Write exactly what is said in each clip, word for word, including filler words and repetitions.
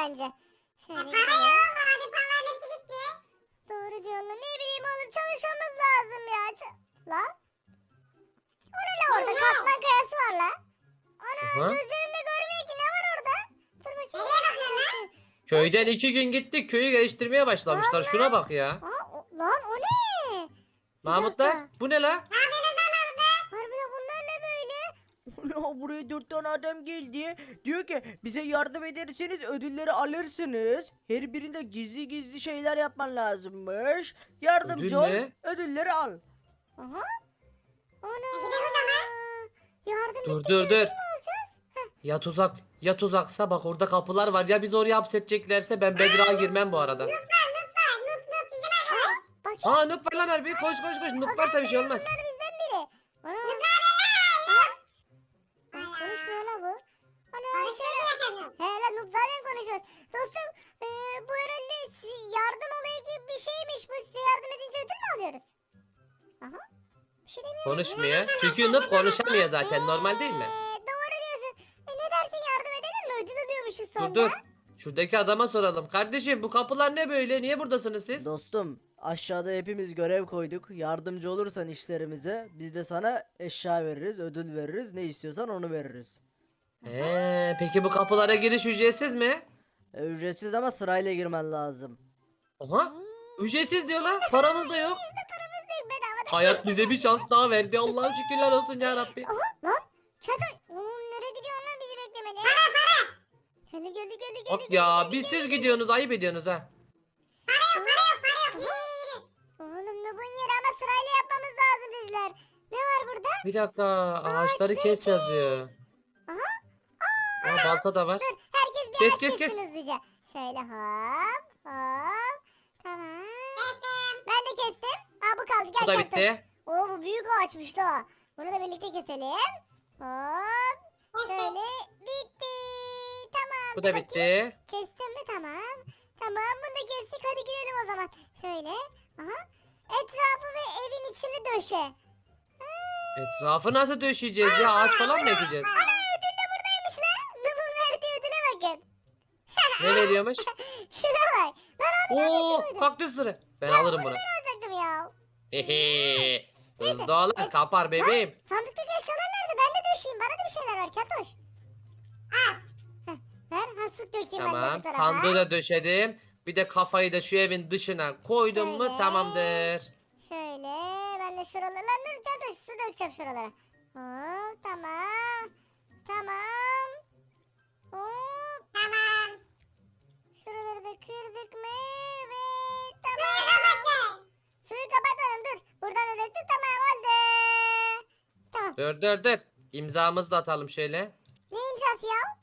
bence. Şöyle Para gidelim. yok abi, paraların hepsi gitti. Doğru diyorsun. Ne bileyim oğlum, çalışmamız lazım ya. Ç- Lan. O ne la orada? Ne? Katman kayası var la. Ana, Aha. gözlerimde görmüyor ki, ne var orada? Dur bakayım. Nereye bakıyorsun lan? Köyden iki gün gittik. Köyü geliştirmeye başlamışlar. Şuna bak ya. Aa, o- lan o ne? Bir Mahmutlar dakika. bu ne la? Ne yapıyorsunuz lan orada? Harbiden bunlar ne böyle? Ana, buraya dört tane adam geldi. Diyor ki bize yardım ederseniz ödülleri alırsınız. Her birinde gizli gizli şeyler yapman lazımmış. Yardımcı Ödül ol, ne? ödülleri al. Aha. Ana. Gidelim o zaman. Yardım Dur, ettikçe dur, ödül dur. mü alacağız? Heh, Ya tuzak ya tuzaksa bak orada kapılar var. Ya biz oraya hapsedeceklerse ben Bedra'ya girmem bu arada. Noob var, noob var. Noob, noob bizim arkadaş. bakayım. Aa Nup var lan harbi. Koş koş koş. Nup varsa bir şey olmaz. Bunlar bizden biri. Ana. Ay, konuşmuyor la bu. Ana. Konuşmayı bırakalım noob. He lan, Noob zaten konuşmaz. Dostum, e, bu herhalde si- yardım olayı gibi bir şeymiş bu. Size yardım edince ödül mü alıyoruz? Aha. Bir şey demiyor. Konuşmuyor. Çünkü Nup konuşamıyor zaten. Normal değil mi? Ee, doğru diyorsun. E, ne dersin, yardım edelim mi? Ödül alıyormuşuz sonra. Dur dur. Şuradaki adama soralım. Kardeşim bu kapılar ne böyle? Niye buradasınız siz? Dostum, aşağıda hepimiz görev koyduk. Yardımcı olursan işlerimize biz de sana eşya veririz, ödül veririz. Ne istiyorsan onu veririz. Ee, peki bu kapılara giriş ücretsiz mi? E, ücretsiz ama sırayla girmen lazım. Aha. Ücretsiz diyorlar. Paramız da yok. İşte paramız değil, bedava değil. Hayat bize bir şans daha verdi. Allah'ım şükürler olsun ya Rabbi. Aha lan. Çadır. Oo, nereye gidiyor lan, bizi beklemedi. Para para. Geldi geldi geldi geldi. Bak ya biz siz gidiyorsunuz ayıp ediyorsunuz ha. Oğlum ne bu yeri, ama sırayla yapmamız lazım dediler. Ne var burada? Bir dakika ağaçları kes yazıyor. Aha. Aa, balta da var. Dur, herkes bir Kes, ağaç kes, kessin kes. hızlıca. Şöyle hop hop. Tamam. Ben de kestim. Aa, bu kaldı, gel Bu da gel, dur. bitti. Oo, bu büyük ağaçmış da. Bunu da birlikte keselim. Hop. Şöyle bitti. Tamam. Bu dur da bakayım. bitti. Kestim mi? Tamam. Tamam, bunu da kestik. Hadi gidelim o zaman. Şöyle. Aha. Etrafı ve evin içini döşe. Etrafı nasıl döşeyeceğiz ya? Ağaç falan mı ekeceğiz? Ana, ödül de buradaymış lan. Nub'un verdiği ödüle bakın. Ne veriyormuş? Şuna bak. Lan abi, Oo neredesin? kaktüs sırrı. Ben alırım bunu. Ben alacaktım ya. Hehe. Hızlı olun et- kapar bebeğim. Sandıktaki eşyalar nerede? Ben de döşeyim. Bana da bir şeyler ver Katoş. Al. Heh, ver. Ha, süt dökeyim ben de Tamam bu tarafa. sandığı da döşedim. Bir de kafayı da şu evin dışına koydum Şöyle. mu tamamdır. Şöyle. Ben de şuralara. Lan dur Katoş, su dökeceğim şuralara. Hop, tamam. Tamam. Hop. Tamam. Şuraları da kırdık mı? Ve tamam. Suyu kapatmadım, dur. Buradan da döktüm, tamam oldu. Tamam. Dur dur dur. İmzamızı da atalım şöyle. Ne imzası ya?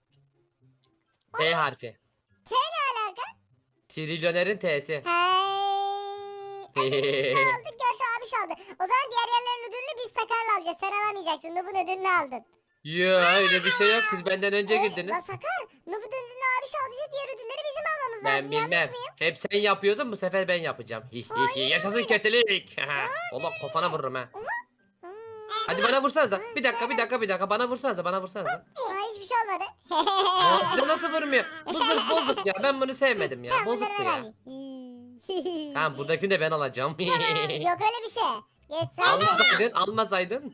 T harfi. T ne alaka? Trilyonerin T'si. Hey. Ödülümüzü aldık ya, şu abiş aldı. O zaman diğer yerlerin ödülünü biz Sakar'la alacağız. Sen alamayacaksın. Nub'un ödülünü aldın. Yo öyle bir şey yok. Siz benden önce Ee, La girdiniz. Sakar, Nub'un ödülünü abiş aldıysa diğer ödülleri bizim almamız Ben lazım. bilmem. Yanlış mıyım? Hep sen yapıyordun bu sefer ben yapacağım. Hi, hi, hi. Hayır, Yaşasın hayır. kötülük. Allah kafana vururum ha. Hmm. Hadi bana vursanız da. Bir dakika bir dakika bir dakika bana vursanız da bana vursanız da. Aa, hiçbir şey olmadı. Aa, size nasıl vurmuyor? Bu zırh bozuk ya. Ben bunu sevmedim ya. Tamam, Bozuk bunları bu ver ya. hadi. Tamam buradakini de ben alacağım. Tamam, yok öyle bir şey. Geç sen de. Almasaydın almasaydın.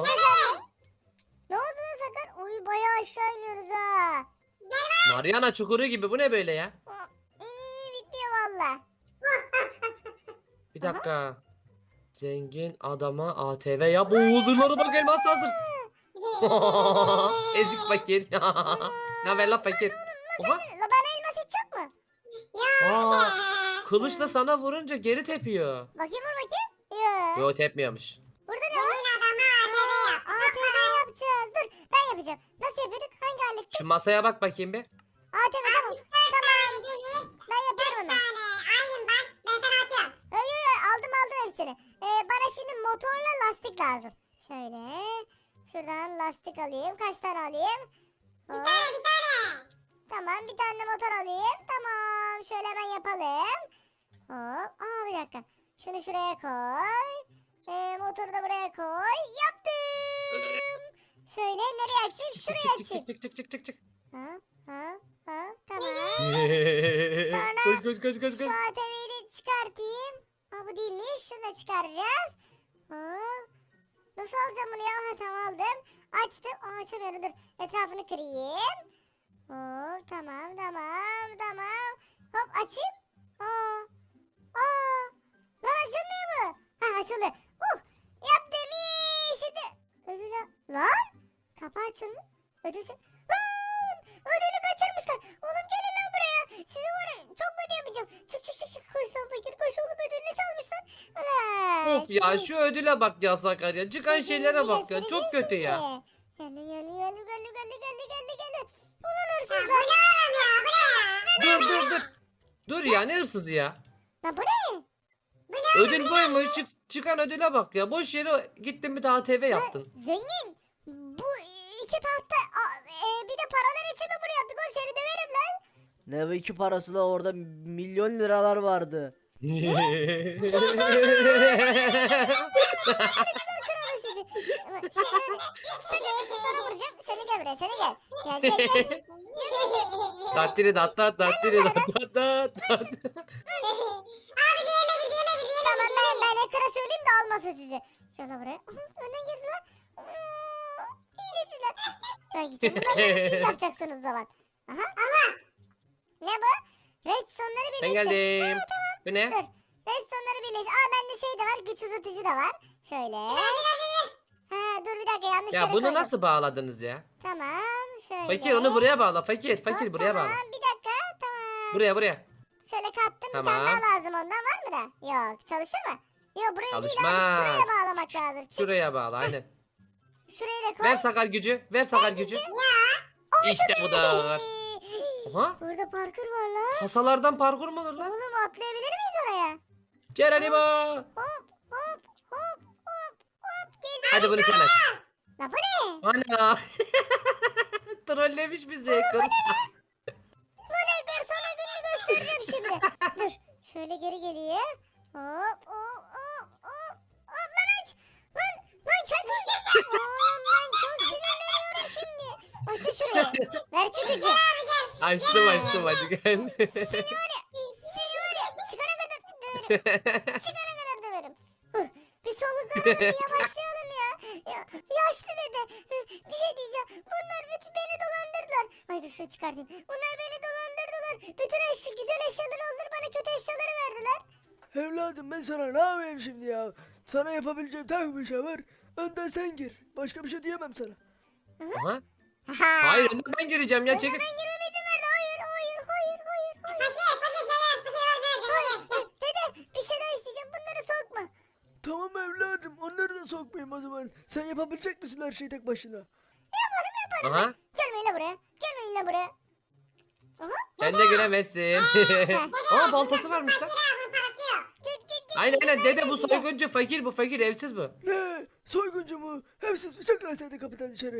Ne oldu lan Sakar? Oy, bayağı aşağı iniyoruz ha. Mariana çukuru gibi bu ne böyle ya? Aa, İyi, bitmiyor valla. Bir dakika. Zengin adama A T V ya. Bu huzurları bak elmas hazır. Ezik fakir. Ne haber lan fakir? Oha. La, bana elmas hiç yok mu? Aa, kılıçla sana vurunca geri tepiyor. Bakayım, vur bakayım. Yok. Yo tepmiyormuş. Burada ne var? Yemin adama A T V yap. A T V yapacağız. Dur, ben yapacağım. Nasıl yapıyorduk? Hangi alet? Şu masaya bak bakayım bir. A T V, tamam. Tane deniz, Ben yapıyorum hemen. tane ayın bak. Ben sana atıyorum. Ay, ay, ay, aldım aldım hepsini. Ee, bana şimdi motorla lastik lazım. Şöyle. Şuradan lastik alayım. Kaç tane alayım? Bir Hop. tane bir tane. Tamam, bir tane de motor alayım. Tamam, şöyle hemen yapalım. Hop. Aa, bir dakika. Şunu şuraya koy. Ee, motoru da buraya koy. Yaptım. Şöyle nereye açayım? Çık Şuraya çık açayım. çık çık çık çık çık çık. Ha, ha, ha. Tamam. koş koş koş koş Şu koş. A T V'yi de çıkartayım. Ha bu değilmiş. Şunu da çıkaracağız. Hop. Nasıl alacağım bunu ya? Ha tamam aldım. Açtım. Aa, açamıyorum dur. Etrafını kırayım. Hop tamam tamam tamam. Hop açayım. Aa. Aa. Lan açılmıyor mu? Ha açıldı. Uh. Yaptım iyi. Şimdi. Ödülü. Lan. Kapı açıldı. Ödül. Lan. Ödülü kaçırmışlar. Oğlum gelin lan buraya. Sizi var ya çok kötü yapacağım. Çık çık çık çık. Koş lan fakir koş oğlum ödülünü çalmışlar. Ulan. Of ya siz- şu ödüle bak ya Sakarya. Çıkan siz şeylere bizi bak ya. Çok göstereceğiz kötü ya. şimdi. Geldi geldi geldi geldi geldi geldi geldi geldi geldi. Ulan Ya bu hırsızlar. ne oğlum ya? Bu ne ya? Dur dur dur. Dur ya ne hırsızı ya. Lan bu ne? Ödül buymuş. Çık, çıkan ödüle bak ya. Boş yere gittin bir daha A T V yaptın. Zengin. Bu iki tahta a- e, bir de paralar için mi bunu yaptık oğlum seni döverim lan. Ne bu iki parası da orada milyon liralar vardı. Kralı sizi. Ama Seni, seni sana vuracağım. Seni gel buraya seni gel. Gel gel gel. Tattiri dat tat tattiri dat tat tat tat. Abi diğerine gir diğerine gir diğerine Tamam gir. ben, ben ekra söyleyeyim de almasın sizi. Şöyle buraya. Aha, önden girdiler. Aa, İyileciler. Ben gideceğim. Bunları siz yapacaksınız o zaman. Aha. Ne bu? Redstone'ları Ben birleştir. geldim. Bu ne? Dur. Redstone'ları birleştir. Aa bende şey de var. Güç uzatıcı da var. Şöyle. Ha dur bir dakika yanlış yere Ya bunu koydum. nasıl bağladınız ya? Tamam. Şöyle. Fakir onu buraya bağla. Fakir fakir Hop, buraya bağla. Tamam bir dakika. Tamam. Buraya buraya. Şöyle kattım. Bir tane Tamam. daha lazım ondan var mı da? Yok. Çalışır mı? Yok buraya değil abi. Çalışmaz. Şuraya bağlamak lazım. Çık. Şuraya bağla aynen. Şurayı da koy. Ver sakar gücü. Ver sakar gücü. İşte bu da. Aha. Burada parkur var lan. Kasalardan parkur mu olur lan? Oğlum atlayabilir miyiz oraya? Geronimo. Hop hop hop hop hop. Geldim. Hadi bunu sen aç. La bu ne? Ana. Trollemiş bizi. Kır. Lan Edgar sana gününü göstereceğim şimdi. Dur. Şöyle geri geleyim. Hop hop hop hop. Hop lan aç. Lan lan kendi. Oğlum ben çok sinirleniyorum şimdi. Açın şurayı. Ver şu gücü. Açtım açtım hadi gel. Seni var ya. Seni var ya. Çıkana kadar döverim. Çıkana kadar döverim. Huh, bir soluklanalım bir yavaşlayalım ya. ya. Yaşlı dede. Hı, bir şey diyeceğim. Bunlar bütün beni dolandırdılar. Ay dur şunu çıkartayım. Bunlar beni dolandırdılar. Bütün eşya, güzel eşyaları aldılar bana kötü eşyaları verdiler. Evladım ben sana ne yapayım şimdi ya? Sana yapabileceğim tek bir şey var. Önden sen gir. Başka bir şey diyemem sana. Aha. Ha. Hayır önden ben gireceğim ya çekil. Ben girmeme izin verdi. Hayır hayır hayır hayır. hayır. Fakir fakir gel gel. Fakir var Hayır. Dede bir şey daha isteyeceğim. Bunları sokma. Tamam evladım onları da sokmayayım o zaman. Sen yapabilecek misin her şeyi tek başına? Yaparım yaparım. Aha. Gelmeyin la buraya. Gelmeyin la buraya. Aha. Sen de giremezsin. Aa baltası varmış lan. Kirazın parası yok. Git git git. Aynen izin aynen dede bu vermez size. soyguncu fakir bu fakir evsiz bu. Ne? Soyguncu mu? Hepsiz bıçaklasaydı kapıdan dışarı.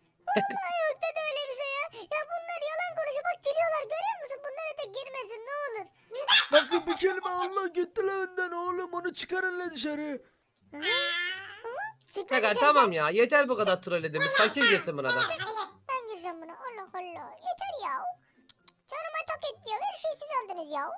Ay yok dede öyle bir şey ya. Ya bunlar yalan konuşuyor. Bak gülüyorlar görüyor musun? Bunlara da girmesin ne olur. Bakın bir kelime Allah gitti lan önden oğlum onu çıkarın lan dışarı. Hı? Hı? Çık lan Sakar dışarı tamam sen. ya yeter bu kadar trollediğimiz. Fakir girsin buna da. Hadi gel. Ben gireceğim buna. Allah Allah. Yeter ya. Canıma tak et ya. Her şeyi siz aldınız ya.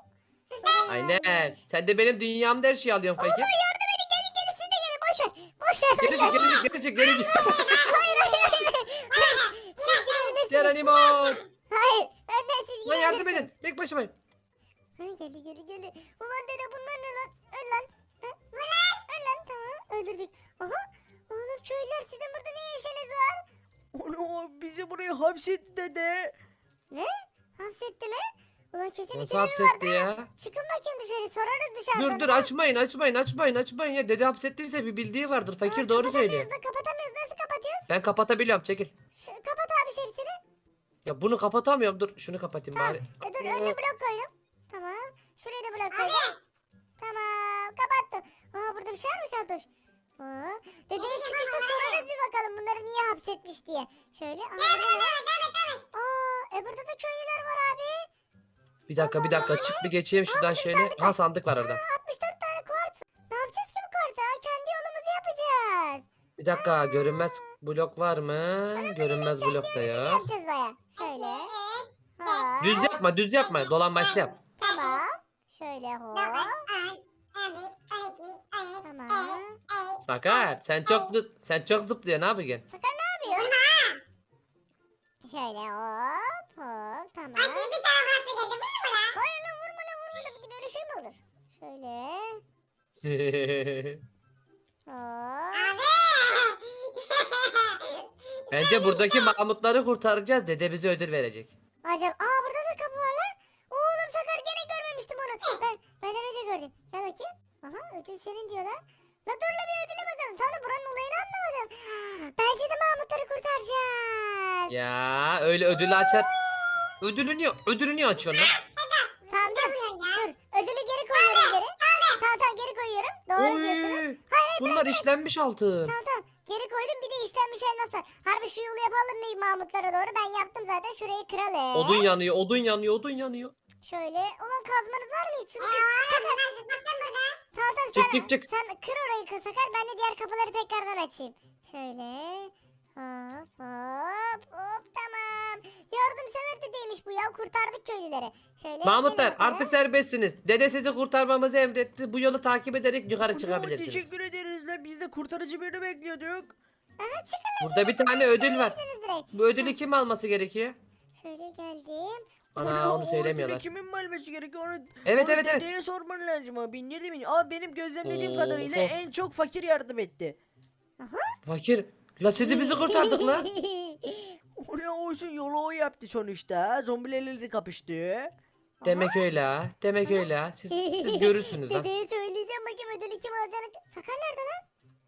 Aynen. Sen de benim dünyamda her şeyi alıyorsun fakir. Allah yardım edin gelin gelin siz de gelin. Boş ver. Boş ver. Geri Boş çık ver. geri çık geri çık geri çık. Hayır hayır hayır. Hayır. Siz girebilirsiniz. Geronimo. Hayır. Benden siz Lan yardım girebilirsiniz. edin. Tek başımayım. Ha, geldi geldi geldi. Ulan dede bunlar ne lan? Öl lan. Ha? Öl lan tamam öldürdük. Aha. Oğlum köylüler sizin burada ne işiniz var? Onu bizi buraya hapsetti dede. Ne? Hapsetti mi? Ulan kesin bir Nasıl sebebi hapsetti vardır. ya? Çıkın bakayım dışarı sorarız dışarıdan. Dur dur açmayın açmayın açmayın açmayın ya. Dede hapsettiyse bir bildiği vardır. Fakir Aa, doğru söylüyor. Kapatamıyoruz da kapatamıyoruz. Nasıl kapatıyoruz? Ben kapatabiliyorum çekil. Şu, kapat abi şemsini. Ya bunu kapatamıyorum. Dur şunu kapatayım Tamam. bari. E, dur önüne blok koydum. Tamam. Şuraya da blok koydum. Tamam kapattım. Aa burada bir şey var mı Keltoş? Aa, dedeye çıkışta sorarız bir bakalım bunları niye hapsetmiş diye. Şöyle. Aa, burada ne? Aa, e burada da köylüler var abi. Bir dakika bir dakika çık bir geçeyim şuradan şöyle. Ha sandık var orada. Aa, altmış dört tane kuarts. Ne yapacağız ki bu kuartsa? Kendi yolumuzu yapacağız. Bir dakika görünmez blok var mı? Görünmez blok da Ne yok. yapacağız baya? Şöyle. Evet. Hop. Düz yapma düz yapma. Dolambaçlı yap. Tamam. Şöyle hop. dokuz, on, on bir, on iki, on üç, Tamam. on dört, on Sakar sen çok zıp- sen çok zıplıyorsun abi gel. Sakar ne yapıyor? Şöyle hop hop. Tamam. Sanki bir tane burası geldi. Bu ne bu lan? Hayır lan vurma lan vurma lan. Bir de öyle şey mi olur? Şöyle. Hop. Abi. Bence buradaki Mahmutları kurtaracağız. Dede bize ödül verecek. Acaba aa burada da kapı var lan. Oğlum Sakar gene görmemiştim onu. Ben benden önce gördüm. Gel bakayım. Aha ödül senin diyor lan. La dur la bir ödüle bakalım. Tamam da buranın olayını anlamadım. Bence de Mahmutları kurtaracağız. Ya öyle ödülü açar. Ödülü niye, ödülü niye açıyorsun lan? Tamam dur. Yapıyor ya. Dur. Ödülü geri koyuyorum geri. Tamam tamam geri koyuyorum. Doğru diyorsunuz. Oy, Hayır hayır bunlar işlenmiş altın. tamam tamam. Geri koydum bir de işlenmiş elmas var. Harbi şu yolu yapalım mı Mahmutlara doğru? Ben yaptım zaten. Şurayı kıralım. Odun yanıyor, odun yanıyor, odun yanıyor. Şöyle. Ulan kazmanız var mı hiç? Şunu Ya bir- oğlum ben zıplattım burada. Tamam tamam Çık, sen, çık, çık. sen kır orayı kır Sakar. Ben de diğer kapıları tekrardan açayım. Şöyle. Hop hop hop tamam. Yardımsever dedeymiş bu ya. Kurtardık köylüleri. Şöyle. Mahmutlar gelin bakalım. artık serbestsiniz. Dede sizi kurtarmamızı emretti. Bu yolu takip ederek yukarı Ana, çıkabilirsiniz. teşekkür ederiz lan. Biz de kurtarıcı birini bekliyorduk. Aha çıkın lan. Burada bir tane ödül var. Çıkabilirsiniz direkt. Bu ödülü kim alması gerekiyor? Şöyle geldim. Ana o onu ödülü söylemiyorlar. kimin vermesi gerekiyor? Onu, Evet, onu evet, evet. dedeye sorman lazım abi. Nerede mi? Aa benim gözlemlediğim Oo, kadarıyla of. en çok fakir yardım etti. Fakir. La sizi bizi kurtardık la. Oraya olsun yolu o yaptı sonuçta. Zombilerle kapıştı. Demek öyle ha. Demek öyle ha. Siz, siz görürsünüz lan. Dedeye söyleyeceğim bakayım ödülü kim alacağını. Sakar nerede lan?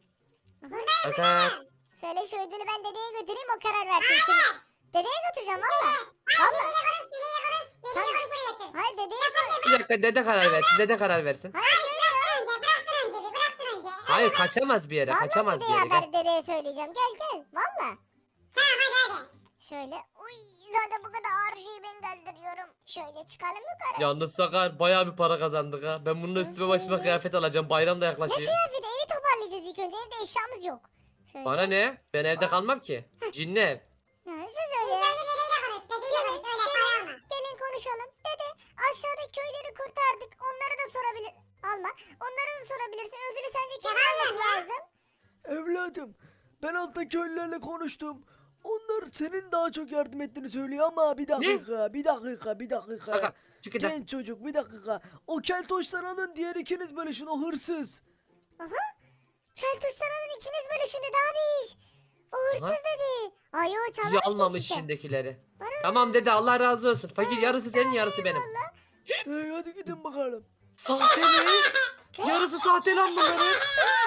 Sakar. Şöyle şu ödülü ben dedeye götüreyim o karar versin. Şimdi. Dedeye götüreceğim valla. Valla. Deliyle konuş, deliyle konuş. Deliyle konuş oraya götür. Hayır dedeye koy. Bir dakika dede karar versin. Dede karar versin. Hayır öyle. Önce bıraksın önce bir bıraksın önce. Hayır kaçamaz bir yere. Valla Kaçamaz bir dedeye yere. Gel. haber dedeye söyleyeceğim. Gel gel. Valla. Tamam hadi hadi. Şöyle. Uy zaten bu kadar ağır şeyi ben kaldırıyorum. Şöyle çıkalım yukarı. Yalnız Sakar bayağı bir para kazandık ha. Ben bunun üstüme başıma kıyafet alacağım. Bayram da Ne yaklaşıyor. kıyafeti evi toparlayacağız ilk önce. Evde eşyamız yok. Şöyle. Bana ne? Ben evde kalmam ki. Cinli ev. Ha, şu İlk şöyle. önce dedeyle konuş. Dedeyle konuş. Öyle para alma. Gelin konuşalım. Dede aşağıdaki köyleri kurtardık. Onları da sorabilir. Alma. Onları da sorabilirsin. Ödülü sence kim Tamam alması ya. lazım? Evladım ben altta köylülerle konuştum. Onlar senin daha çok yardım ettiğini söylüyor ama bir dakika, bir dakika, bir dakika. Sakar çık git lan. Genç çocuk bir dakika. O keltoşları alın diğer ikiniz bölüşün o hırsız. Aha. Çeltuşların ikiniz böyle şimdi daha bir iş. O hırsız Aha. dedi. Ay o İyi çalmış almamış işte. içindekileri. Bana Tamam dede Allah razı olsun. Fakir yarısı senin yarısı benim. Valla. Hey, hadi gidin bakalım. Sahte mi? Yarısı sahte lan bunların.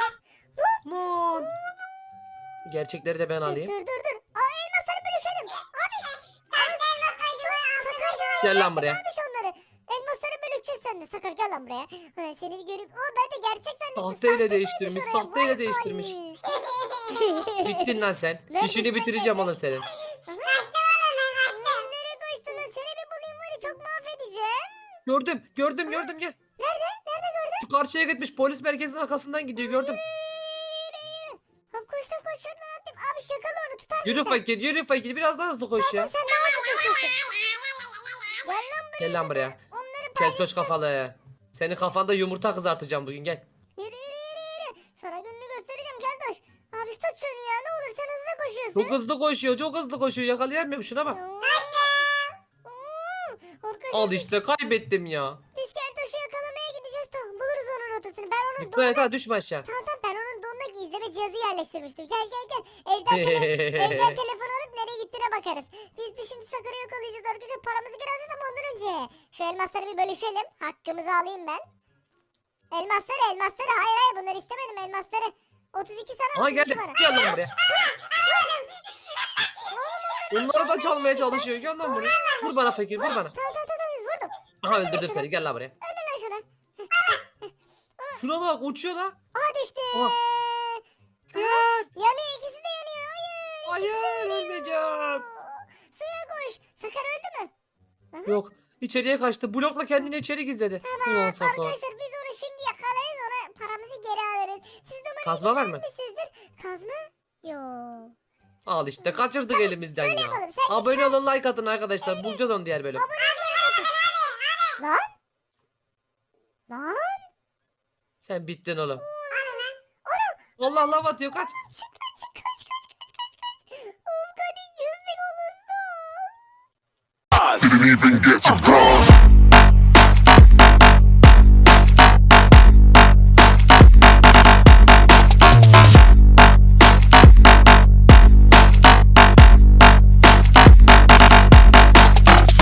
Lan. Gerçekleri de ben Dur dur alayım. dur dur. Aa elmasları bölüşelim. Abi Sakar ya. Gel lan buraya. Abiş onları. Elmasları bölüşeceğiz sen de. Sakar gel lan buraya. Ulan seni bir göreyim. Oo ben de gerçek zannettim. Sahteyle Sahte değiştirmiş, koymuş oraya. sahteyle Vay değiştirmiş. hain. Bittin lan sen. Neredesin İşini bitireceğim oğlum senin. Kaçtım oğlum ben kaçtım. Nereye kaçtın lan? Seni bir bulayım var ya çok mahvedeceğim. Gördüm, gördüm, gördüm gel. Nerede? Nerede gördün? Şu karşıya gitmiş polis merkezinin arkasından gidiyor gördüm. Hop koştum koş şuradan attım. Abi şakalı onu tutarsın Yürü sen. fakir, yürü fakir biraz daha hızlı koş ya. Sen daha hızlı koşuyorsun. Gel lan buraya. Gel lan sakın. buraya. Onları Keltoş paylaşacağız. kafalı. Senin kafanda yumurta kızartacağım bugün gel. Yürü yürü yürü yürü. Sana gününü göstereceğim Keltoş. Abi tut şunu ya ne olur sen hızlı koşuyorsun. Çok hızlı koşuyor, çok hızlı koşuyor. Yakalayamıyorum şuna bak. Oo. Arkadaşlar Al biz- işte kaybettim ya. Biz Keltoş'u yakalamaya gideceğiz tamam buluruz onun rotasını. Ben onun Dikkat donuna... et ha düşme aşağı. Tamam tamam ben onun donuna gizleme cihazı yerleştirmiştim. Gel gel gel. Evden, tele... Evden telefon alıp nereye gittiğine bakarız. Biz de şimdi Sakar'ı yakalayacağız arkadaşlar. Paramızı geri alacağız ama ondan önce. Şu elmasları bir bölüşelim. Hakkımızı alayım ben. Elmasları elmasları. Hayır hayır bunları istemedim elmasları. otuz iki sana Aha otuz iki geldi. bana. Gel lan buraya. Onları da çalmaya çalışıyor. Gel lan buraya. Vur bana fakir, vur bana. Tamam tamam tamam vurdum. Aha öldürdüm seni. Gel lan buraya. Öldür lan şunu. Şuna bak uçuyor lan. Aha düştü. Aha. Gel. Yanıyor ikisi de yanıyor. Hayır. Hayır ölmeyeceğim. Suya koş. Sakar öldü mü? Yok. İçeriye kaçtı. Blokla kendini içeri gizledi. Ulan Sakar. Arkadaşlar biz onu şimdi yakalarız ona paramızı geri alırız. Siz de umarım Kazma var mı? izin vermişsinizdir. Kazma? Yok. Al işte kaçırdık elimizden ya. yapalım, sen Abone olun, like atın arkadaşlar. Bulacağız onu diğer bölüm. Lan. Lan. Sen bittin oğlum. Allah laf atıyor, kaç. Çık kaç çık kaç kaç kaç kaç kaç. Oğlum kaç yüzlük olursun. Didn't even get to cross.